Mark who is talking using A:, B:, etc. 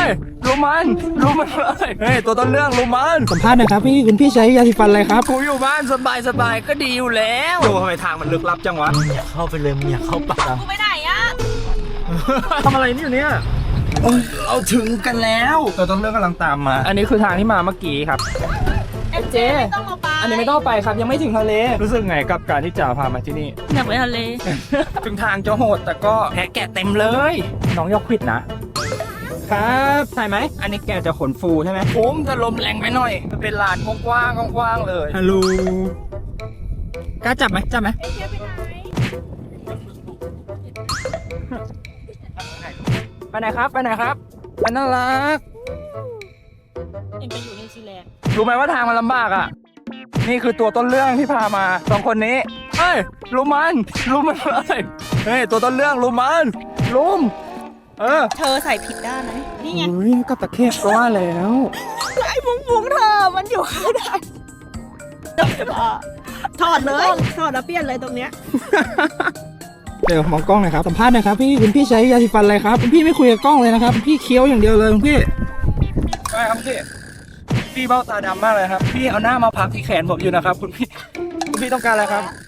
A: ยรู้มันเลยเฮ้ยตัวต้นเรื่องรู้มัน
B: สัมภาษณ์หนะครับพี่คุณพี่ใช้ยาสีฟันอะไรครับ
A: กูอยู่บ้านสบายก็ดีอยู่แล้วดูทำไมทางมันลึกลับจังวะ
B: อย่าเข้าไปเลยมึงอย่าเข้าป่า
C: กูไปไหนอะ
A: ทำอะไรนี่อยู่เนี่ยเราถึงกันแล้วตัวต้นเรื่องกำลังตามมา อันนี้คือทางที่มาเมื่อกี้ครับ
C: เจ๊ไม่ต้องมาไป
A: อันนี้ไม่ต้องไปครับยังไม่ถึงทะเลรู้สึกไงกับการที่จ่าพามาที่นี่
C: อยากไปทะเล
A: ถึงทางจะโหดแต่ก็แพะแกะเต็มเลย น้องยกควิดนะครับใช่ไหมอันนี้แกจะขนฟูใช่ไหมผมจะลมแรงไปหน่อยมันเป็นลานกว้างๆเลยฮัลโหลกล้าจับไหมไปไหนครับไปน่ารัก
C: เอ็งไปอยู่นิวซีแลนด์
A: รู้ไหมว่าทางมันลำบากอ่ะนี่คือตัวต้นเรื่องที่พามาสองคนนี้เฮ้ยรู้มันเลยเฮ้ยตัวต้นเรื่องรู้มัน
C: เธอใส่ผิดด้านไหมนี่ไง
A: อุ้ยกับตะเข็บก็ว่าแล้ว
C: ไอ้มุ้งเธอมันอยู่ข้างในถอดเลยถอดแล้วเปลี่ยนเลยตรงเนี้ย
B: เดี๋ยวมองกล้องหน่อยครับสัมภาษณ์หนะครับพี่คุณพี่ใช้ยาสีฟันอะไรครับคุณพี่ไม่คุยกับกล้องเลยนะครับพี่เคี้ยวอย่างเดียวเลยคุณพี่
A: ใช่ครับพี่เบ้าตาดำมากเลยครับพี่เอาหน้ามาพักที่แขนผมอยู่นะครับคุณพี่ต้องการอะไรครับ